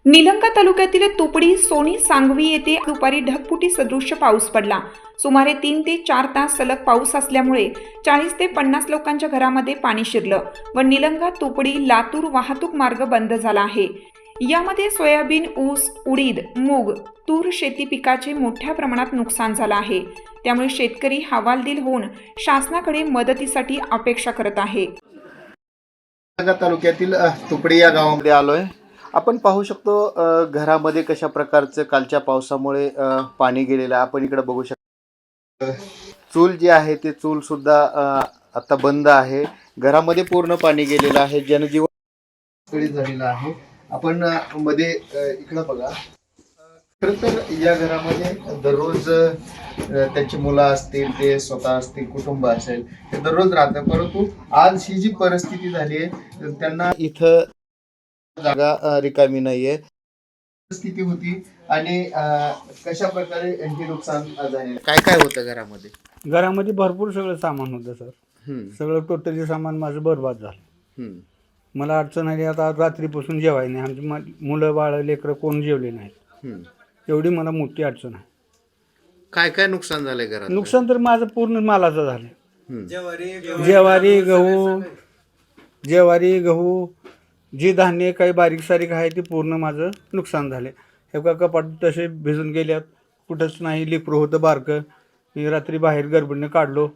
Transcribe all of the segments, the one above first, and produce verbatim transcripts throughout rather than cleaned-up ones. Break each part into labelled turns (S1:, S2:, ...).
S1: निलंगा तालुक्यातील तुपडी सोनी सांगवी येथे दुपारी ढगफुटी सदृश्य पाऊस पडला. सुमारे तीन ते चार तास सलग पाऊस असल्यामुळे चाळीस ते पन्नास लोकांच्या घरामध्ये पाणी शिरलं व निलंगा तुपडी लातूर वाहतूक मार्ग बंद झाला आहे. यामध्ये सोयाबीन, ऊस, उडीद, मूग, तूर शेती पिकाचे मोठ्या प्रमाणात नुकसान झालं आहे. त्यामुळे शेतकरी हवालदिल होऊन शासनाकडे मदतीसाठी अपेक्षा करत आहे.
S2: निलंगा तालुक्यातील तुपडी या गावामध्ये आलोय. आपण पाहू शकतो अ, घरामध्ये कशा प्रकारचं कालच्या पावसामुळे अ, पाणी गेलेलं आहे. आपण इकडे बघू शकतो चूल जी आहे ते चूल सुद्धा अ, आता बंद आहे. घरामध्ये पूर्ण पाणी गेलेलं आहे. जनजीवन विस्कळीत झालेलं आहे. आपण अ, मध्ये अ, इकडं बघा. खरं तर या घरामध्ये दररोज अ, त्यांची मुलं असतील, ते स्वतः असतील, कुटुंब असेल, ते दररोज राहतं. परंतु आज ही जी परिस्थिती झाली आहे त्यांना इथं जागा अ, रिकामी नाहीये स्थिती होती. आणि अ, कशा प्रकारे हे नुकसान झाले, काय काय होतं घरामध्ये?
S3: घरामध्ये भरपूर सगळं सामान होतं सर.
S2: हम्म,
S3: सगळं टोटली सामान माझं बरबाद झालं.
S2: हम्म,
S3: मला अडचण आली आता रात्रीपासून जेवाय नाही. आमची म- मुलं बाळ लेकरं कोण जेवले नाहीत.
S2: हम्म.
S3: एवढी मला मोठी अडचण आहे.
S2: काय काय नुकसान झालंय घरात?
S3: नुकसान तर माझं पूर्ण मालाचं झालं.
S2: हम्म,
S3: ज्वारी गहू ज्वारी गहू जी धान्य काही बारीक सारीक आहे ते पूर्ण माझं नुकसान झाले. हे का कपाट तसे भिजून गेल्यात. कुठंच नाही. लेकरं होतं बारकं. मी रात्री बाहेर गडबडीने काढलो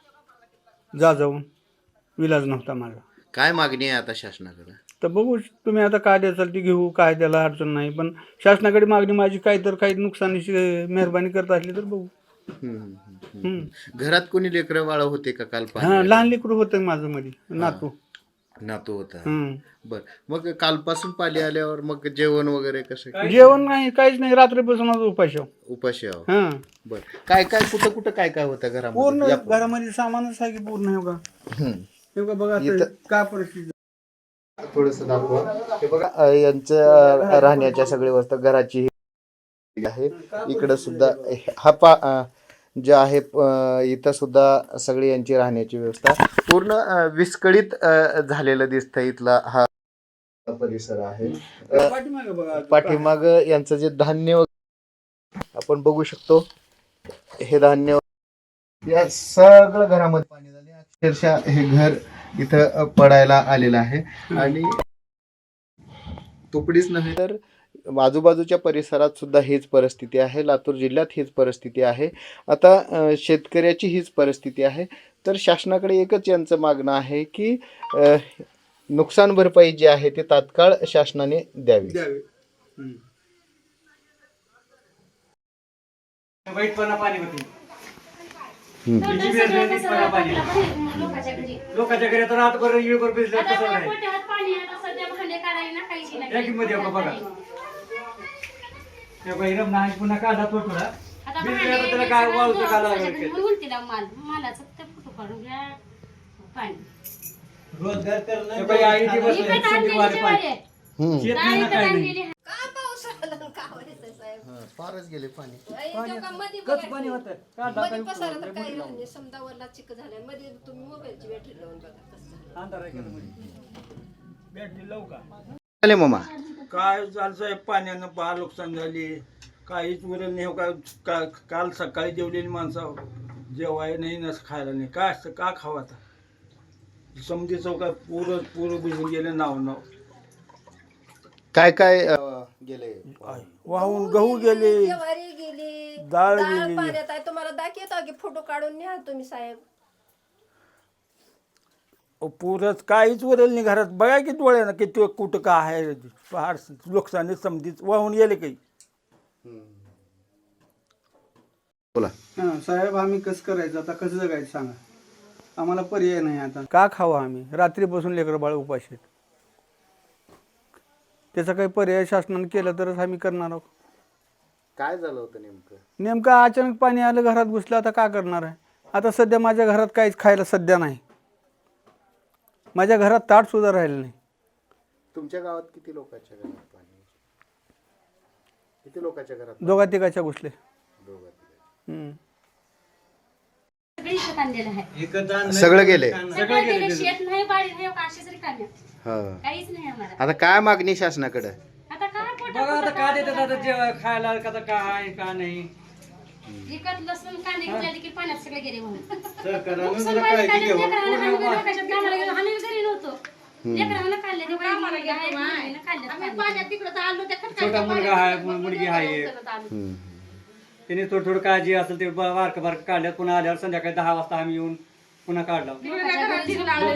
S3: जा जाऊन. विलाज नव्हता माझा.
S2: काय मागणी आहे आता शासनाकडे?
S3: तर बघू तुम्ही आता काय द्याल ते घेऊ. काय त्याला अडचण नाही. पण शासनाकडे मागणी माझी काय तर काही नुकसानीची मेहरबानी करत असली तर बघू.
S2: हम्म, हम्म, हम्म.
S3: हम्म.
S2: घरात कोणी लेकरं बाळ होते का काल?
S3: हां
S2: पाणी
S3: लहान लेकरू होतं माझं मध्ये नातू.
S2: नातू होता.
S3: हम्म.
S2: बर, मग कालपासून पाणी आल्यावर मग जेवण वगैरे कसं?
S3: जेवण नाही काहीच नाही. रात्रीपासून आज उपाशी आहो.
S2: उपाशी आहो.
S3: हां
S2: बर, काय काय कुठं कुठं काय काय होतं
S3: पूर्ण
S2: घरामध्ये? या पूर्ण.
S3: घरामध्ये सामानच आहे की पूर्ण. हे बघा
S2: हम्म.
S3: हे बघा बघा आता
S2: इथं-
S3: काय परिस्थिती.
S2: थोडस दाखवा. हे बघा अ, यांचं अ, राहण्याच्या सगळी व्यवस्था घराची ही आहे. इकडं सुद्धा हा पा अ, जे आहे अ, इथं सुद्धा सगळी यांची राहण्याची व्यवस्था पूर्ण अ, विस्कळीत अ, झालेलं दिसतं. इथला हा परिसर आहे. अ,
S3: पाठीमागे बघा
S2: पाठीमाग यांचं जे धान्य वगैरे आपण बघू शकतो. हे धान्य या सगळं घरामध्ये पाणी झाले. अक्षरशः हे घर इथं अ, पडायला आलेलं आहे. आणि तुपडीच नव्हे तर आजूबाजूच्या परिसरात सुद्धा हीच परिस्थिती आहे. लातूर जिल्ह्यात हीच परिस्थिती आहे. आता अ, शेतकऱ्याची हीच परिस्थिती आहे. तर शासनाकडे एकच यांचं मागणं आहे की अ, नुकसान भरपाई जी आहे ते तात्काळ शासनाने द्यावी.
S3: द्यावे. हम्म. वाईटपणा पाणी होते. लोकांच्या घरी तर रात बरं येळ बरं भिजलं कसं नाही. या किंमत आहे बघा. ते बहिरम नाही पुन्हा काढा तो थोडा. भिजलं तर त्याला काय वाळूचं का लागलं? रोजगार करणं. ते बाई आई ती बसली, संधीवाले पाणी.
S2: हम्म.
S3: शेत नाही ना काही नाही.
S2: हा, फारच गेले पाणी.
S3: कच पाणी होतं. काढा काही अंधार आहे का मध्ये? बॅटरी लावू का?
S2: आले मामा.
S4: काय झालं साहेब, पाण्यानं फार नुकसान झाली. काहीच उरलं नाही. हो का का- काल सकाळी जेवलेली माणसं जेवाय नाही ना खायला नाही. काय असतं का खावं आता? समजी चौका पूर पूर भिजून गेले नाव नाव.
S2: काय काय अ, गेले?
S4: वाहून गहू गेले,
S5: ज्वारी गेली,
S4: डाळ
S5: डाळ
S4: गेली.
S5: पाण्यात आहे. तुम्हाला दाखवतो की फोटो काढून न्या तुम्ही साहेब.
S4: पूरच काहीच उरलं नाही घरात. बघा की डोळ्यानं किती कुठं का आहे. फार नुकसानी समजीच वाहून गेले काही.
S2: बोला.
S3: हां साहेब आम्ही कसं करायचं आता? कसं जगायचं सांगा. आम्हाला पर्याय नाही आता. का खावं आम्ही? रात्रीपासून लेकरं बाळ उपाशी आहेत. त्याचा काही पर्याय शासनाने केलं तरच आम्ही करणार आहोत.
S2: काय झालं होतं नेमकं?
S3: नेमकं अचानक पाणी आलं, घरात घुसलं. आता काय करणार आहे? आता सध्या माझ्या घरात काहीच खायला सध्या नाही. माझ्या घरात ताट सुद्धा राहिलं नाही.
S2: तुमच्या गावात किती लोकांच्या घरात पाणी? किती लोकांच्या घरात?
S3: दोघा तिघाच्या घुसले.
S2: दोघं.
S3: हम्म.
S2: सगळं गेले.
S6: शेत नाही, बाडी नाही, काशीच रिकाम्या.
S2: हा.
S6: काहीच नाही आम्हाला.
S2: आता काय मागणी शासनाकडे?
S6: आता काय पोट बघा आता का देतात आता जेव्हा खायला का काय का नाही
S7: विकत लसूण कांदे घेतले की पाण्यात सगळे गेले म्हणून
S2: सरकारनं
S7: नुकसान
S2: जरा
S7: व्हायला
S2: काळजी
S7: काढले,
S2: घ्यावं.
S7: लेकरांना आम्ही लोकांच्या कामाला गेलो, आम्ही घरी नव्हतो. लेकरांना काढले, ते बाई मुलगी आहे, मुलीनं काढले पाण्यात.
S6: छोटा मुलगा आहे मुलगी आहे
S2: हम्म.
S6: त्याने थोडं थोडं काळजी असेल ते बारक बारक काढल्यात पुन्हा आल्यावर संध्याकाळी दहा वाजता आम्ही येऊन पुन्हा काढला
S7: लोकांच्या घरी